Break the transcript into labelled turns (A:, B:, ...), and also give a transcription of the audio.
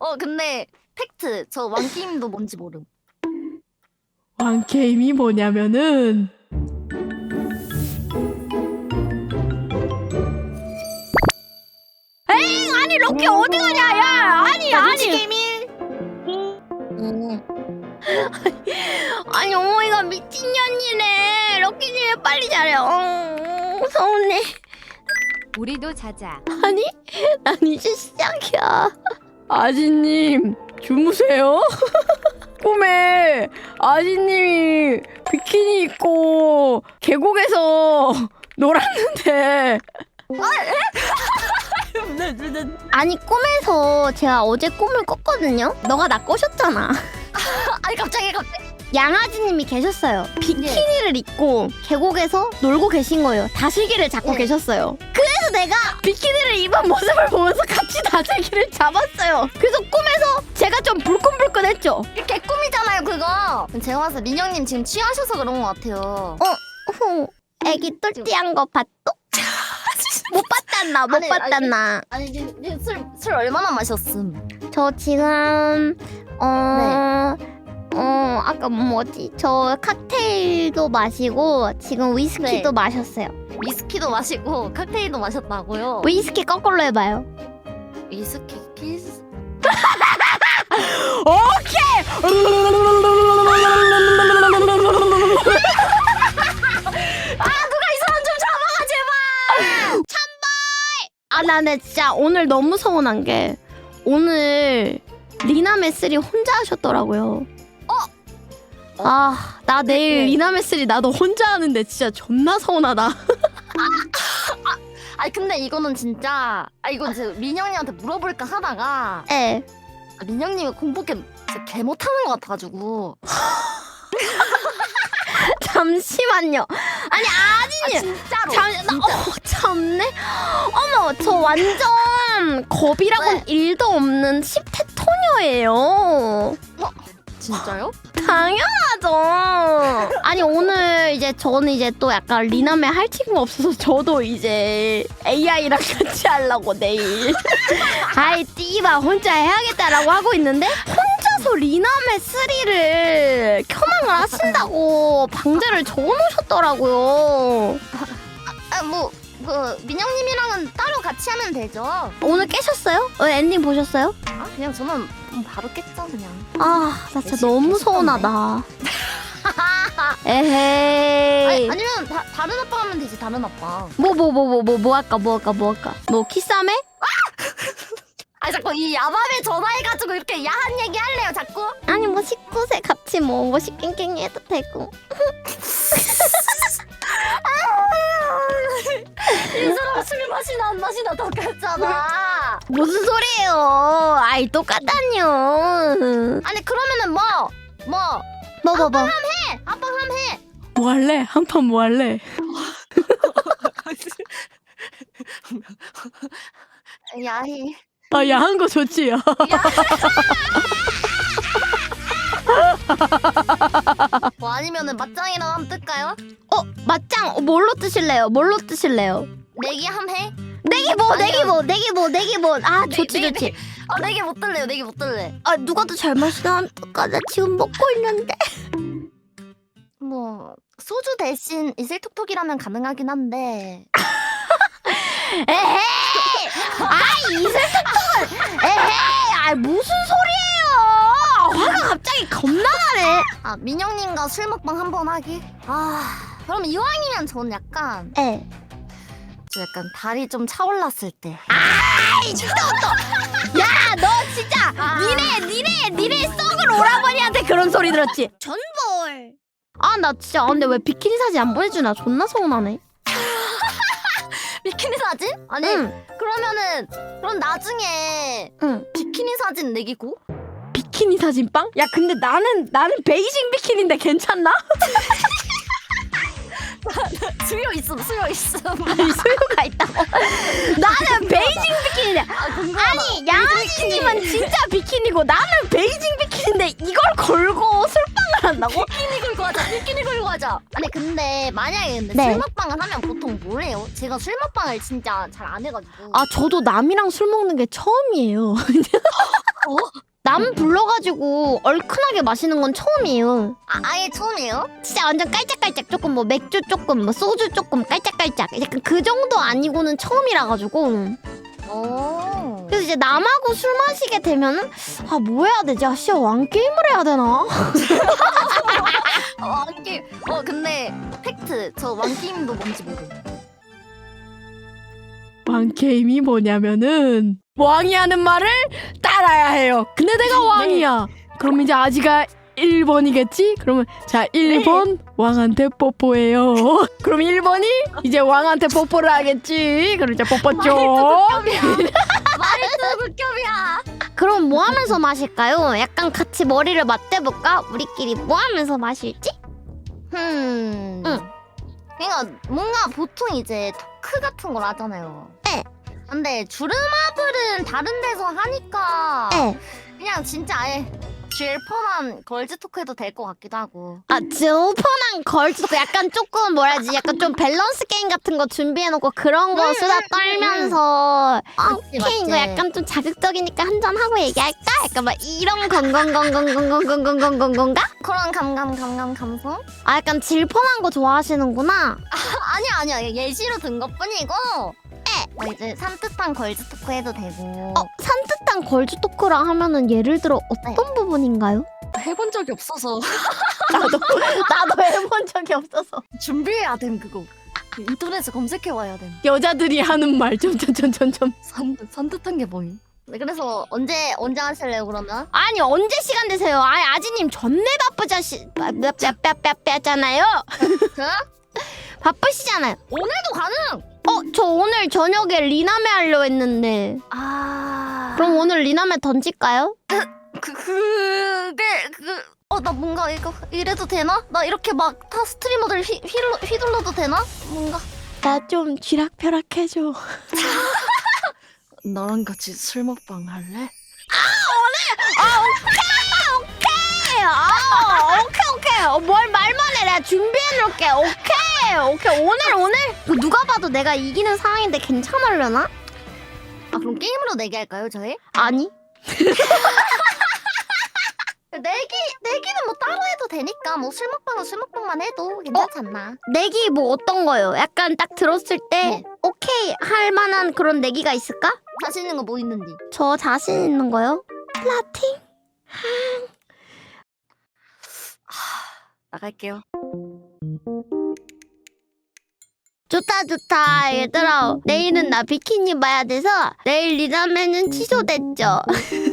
A: 근데 팩트. 저 왕게임도 뭔지 모름.
B: 왕게임이 뭐냐면은 에잉 아니 럭키 어디 가냐 야 아니
A: 게임일.
B: 아니 어머니가 미친년이네 럭키님 왜 빨리 자래 서운해
C: 우리도 자자.
B: 아니 난 이제 시작이야 아지님 주무세요? 꿈에 아지님이 비키니 입고 계곡에서 놀았는데 아니 꿈에서 제가 어제 꿈을 꿨거든요? 너가 나 꼬셨잖아
A: 아니 갑자기.
B: 양아지님이 계셨어요 비키니를 입고 계곡에서 놀고 계신 거예요 다슬기를 잡고
A: 네.
B: 계셨어요 그래서 내가 비키니를 입은 모습을 보면서 같이 다슬기를 잡았어요 그래서 꿈에서 제가 좀 불끈불끈했죠
A: 이렇게 꿈이잖아요 그거. 제가 봐서 민영님 지금 취하셔서 그런 것 같아요.
B: 애기 똘띠한 거 봤어? 못 봤단나 못
A: 아니,
B: 봤단나
A: 아니 술 얼마나 마셨음?
B: 저 지금 아까 뭐지? 저 칵테일도 마시고 지금 위스키도
A: 네.
B: 마셨어요.
A: 위스키도 마시고 칵테일도 마셨다고요?
B: 위스키 거꾸로 해봐요.
A: 위스키 키스.
B: 오케이.
A: 누가 이 사람 좀 잡아가 제발.
B: 아, 나는 진짜 오늘 너무 서운한 게 오늘 리나 메스리 혼자 하셨더라고요. 아, 나 내일 리나 메스리 나도 혼자 하는데 진짜 존나 서운하다.
A: 아니 근데 이거는 진짜 이건 제가 민영님한테 물어볼까 하다가
B: 예.
A: 민영님이 공포게 진짜 개 못하는 것 같아가지고.
B: 잠시만요. 아니 아지님.
A: 진짜로.
B: 참네. 어머, 저 완전 겁이라고는
A: 네.
B: 1도 없는 10대 토녀예요.
A: 진짜요?
B: 당연하죠. 아니 오늘 이제 저는 이제 또 약간 리남에 할 친구가 없어서 저도 이제 AI랑 같이 하려고 내일 아이 띠바 혼자 해야겠다라고 하고 있는데 혼자서 리남의 3를 켜망을 하신다고 방제를 적어놓으셨더라고요.
A: 민영님이랑은 따로 같이 하면 되죠.
B: 오늘 깨셨어요? 엔딩 보셨어요?
A: 그냥 저는 바로 깼죠 그냥.
B: 아, 나 진짜
A: 열심히
B: 너무
A: 계셨던데.
B: 서운하다. 에헤이.
A: 아니면 다른 아빠 하면 되지 다른 아빠.
B: 뭐 할까? 뭐 키싸매?
A: 자꾸 이 야밤에 전화해가지고 이렇게 야한 얘기 할래요 자꾸?
B: 아니 뭐 19세 같이 뭐 시깽깽이 해도 되고.
A: 이 사람 술 마시나 안 마시나 똑같잖아.
B: 무슨 소리예요? 아이 똑같다뇨.
A: 아니 그러면은 뭐
B: 해.
A: 아빠 함 해.
B: 뭐 할래? 한 판 뭐 할래?
A: 야히.
B: 아 야한 거 좋지.
A: 뭐 아니면은 맞짱이랑 한번 뜰까요?
B: 맞짱 뭘로 뜨실래요?
A: 내기 함 해?
B: 내기 뭐. 아 좋지.
A: 내기 못 뜰래요. 내기 못 뜰래.
B: 아 누가 더 잘 마시나 한까 나 지금 먹고 있는데.
A: 뭐 소주 대신 이슬톡톡이라면 가능하긴 한데.
B: 에헤이! 이슬톡톡은 에헤이! 무슨 소리예요? 화가 갑자기 겁나 나네.
A: 민영님과 술 먹방 한번 하기? 그럼 이왕이면 저는 약간
B: 에.
A: 좀 약간 달이 좀 차올랐을 때.
B: 야, 너 진짜 니네 썩을 오라버니한테 그런 소리 들었지? 전볼. 나 진짜 근데 왜 비키니 사진 안 보내주나 존나 서운하네.
A: 비키니 사진? 아니
B: 응.
A: 그럼 나중에
B: 응.
A: 비키니 사진 내기고?
B: 비키니 사진 빵? 야, 근데 나는 베이징 비키니인데 괜찮나?
A: 수요 있음.
B: 아니 수요가 있다고. 나는 베이징 비키니인데. 아니 양아지님은 진짜 비키니고 나는 베이징 비키니인데 이걸 걸고 술빵을 한다고?
A: 비키니 걸고 하자. 아니 근데 만약에
B: 네.
A: 술 먹방을 하면 보통 뭘 해요? 제가 술 먹방을 진짜 잘 안 해가지고.
B: 저도 남이랑 술 먹는 게 처음이에요. 남 불러가지고 얼큰하게 마시는 건 처음이에요.
A: 아예 처음이에요?
B: 진짜 완전 깔짝깔짝 조금 뭐 맥주 조금 뭐 소주 조금 깔짝깔짝 약간 그 정도 아니고는 처음이라 가지고.
A: 오.
B: 그래서 이제 남하고 술 마시게 되면은 아 뭐 해야 되지? 아 씨야 왕게임을 해야 되나?
A: 왕게임. 근데 팩트. 저 왕게임도 뭔지 모르.
D: 왕게임이 뭐냐면은 왕이 하는 말을 따라야 해요. 근데 내가 왕이야. 그럼 이제 아지가 1번이겠지? 그러면 자 1번 왕한테 뽀뽀해요. 그럼 1번이 이제 왕한테 뽀뽀를 하겠지. 그럼 이제 뽀뽀 쪽.
A: 말도 극혐이야.
B: 그럼 뭐 하면서 마실까요? 약간 같이 머리를 맞대볼까? 우리끼리 뭐 하면서 마실지?
A: 응. 그러니까 뭔가 보통 이제 토크 같은 걸 하잖아요.
B: 네.
A: 근데 주름아블은 다른 데서 하니까
B: 네.
A: 그냥 진짜 아예 질펀한 걸즈 토크 해도 될 것 같기도 하고.
B: 아, 오픈한 걸즈도 약간 조금 뭐라 해야지 약간 좀 밸런스 게임 같은 거 준비해놓고 그런 거 수다 떨면서
A: 맞지,
B: 오케이 이거
A: 맞지.
B: 약간 좀 자극적이니까 한잔 하고 얘기할까? 약간 막 이런 건가?
A: 그런 감성?
B: 아 약간 질펀한 거 좋아하시는구나.
A: 아니야 예시로 든 것뿐이고. 이제 산뜻한 걸즈 토크 해도 되고.
B: 산뜻한 걸즈 토크랑 하면은 예를 들어 어떤 부분인가요?
A: 해본 적이 없어서
B: 나도 해본 적이 없어서.
A: 준비해야 됨 그거. 인터넷에 검색해 와야 됨.
D: 여자들이 하는 말 점점점점점.
A: 산뜻한 게 뭐임? 네, 그래서 언제 하실래요 그러면?
B: 아니 언제 시간 되세요? 아니 아지님 존내 바쁘잖아요.
A: 그?
B: 바쁘시잖아요.
A: 오늘도 가능.
B: 저 오늘 저녁에 리나메 하려 했는데. 그럼 오늘 리나메 던질까요?
A: 나 뭔가 이거 이래도 되나? 나 이렇게 막 타 스트리머들 휘둘러도 되나? 뭔가
D: 나 좀 쥐락펴락 해줘.
A: 나랑 같이 술 먹방 할래?
B: 오케이. 뭘 말만 해. 내가 준비해놓을게. 오케이. 오늘. 누가 봐도 내가 이기는 상황인데 괜찮으려나?
A: 그럼 게임으로 내기할까요 저희?
B: 아니.
A: 내기는 뭐 따로 해도 되니까 뭐 술 먹방은 술 먹방만 해도 괜찮지 않나?
B: 내기 뭐 어떤 거요? 약간 딱 들었을 때
A: 네.
B: 오케이 할 만한 그런 내기가 있을까?
A: 자신 있는 거 뭐 있는지.
B: 저 자신 있는 거요? 플라팅?
A: 나갈게요.
B: 좋다 얘들아 내일은 나 비키니 봐야 돼서 내일 리나메는 취소됐죠.